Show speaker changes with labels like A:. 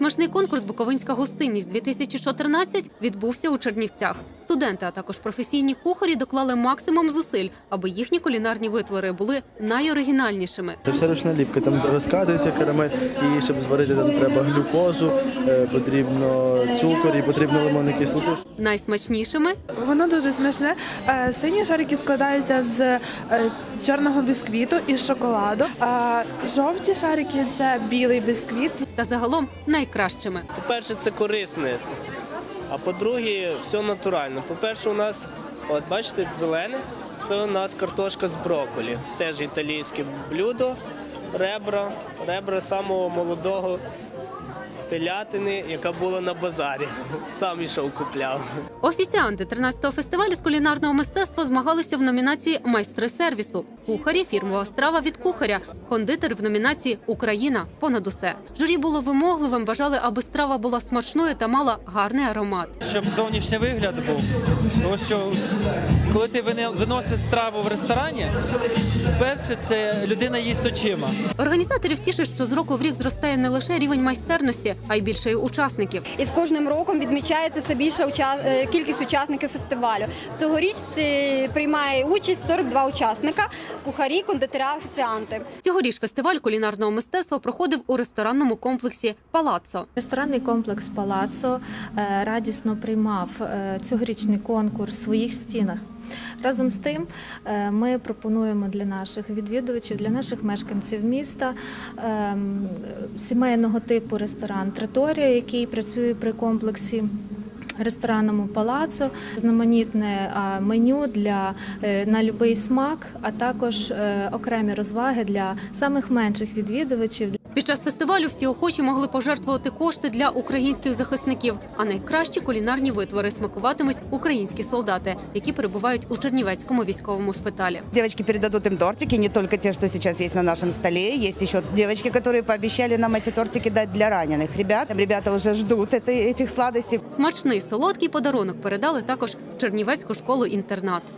A: Смачний конкурс «Буковинська гостинність-2014» відбувся у Чернівцях. Студенти, а також професійні кухарі доклали максимум зусиль, аби їхні кулінарні витвори були найоригінальнішими.
B: Це все ручна ліпка, там розкатується карамель, і щоб зварити там треба глюкозу, потрібно цукор і потрібно лимонну кислоту.
A: Найсмачнішими
C: Воно дуже смачне. Сині шарики складаються з чорного бісквіту і з шоколаду. А жовті шарики – це білий бісквіт.
A: та загалом найкращими.
D: По-перше, це корисне, а по-друге, все натурально. По-перше, у нас, от бачите, зелене, це у нас картошка з брокколі, теж італійське блюдо, ребра самого молодого телятини, яка була на базарі. Сам ішов купляв.
A: Офіціанти 13-го фестивалю з кулінарного мистецтва змагалися в номінації «Майстри сервісу». Кухарі – фірмова страва від кухаря. Кондитер в номінації «Україна. Понад усе». Журі було вимогливим, бажали, аби страва була смачною та мала гарний аромат.
E: Щоб зовнішній вигляд був. Тому що коли ти виносиш страву в ресторані, перше – це людина їсть очима.
A: Організаторів тішить, що з року в рік зростає не лише рівень майстерності, а й більше учасників.
F: І з кожним роком відмічається все більша кількість учасників фестивалю. Цьогоріч приймає участь 42 учасника – кухарі, кондитери, офіціанти.
A: Цьогоріч фестиваль кулінарного мистецтва проходив у ресторанному комплексі «Палаццо».
G: Ресторанний комплекс «Палаццо» радісно приймав цьогорічний конкурс в своїх стінах. Разом з тим ми пропонуємо для наших відвідувачів, для наших мешканців міста сімейного типу ресторан «Траторія», який працює при комплексі ресторанному «Палаццо», різноманітне меню на будь-який смак, а також окремі розваги для самих менших відвідувачів.
A: Під час фестивалю всі охочі могли пожертвувати кошти для українських захисників, а найкращі кулінарні витвори смакуватимуть українські солдати, які перебувають у Чернівецькому військовому шпиталі.
H: Девочки передадут им тортики, не только те, что сейчас есть на нашем столе. Есть еще девочки, которые пообещали нам эти тортики дать для раненых ребят. Ребята уже ждут этих сладостей.
A: Смачний солодкий подарунок передали також в Чернівецьку школу-інтернат.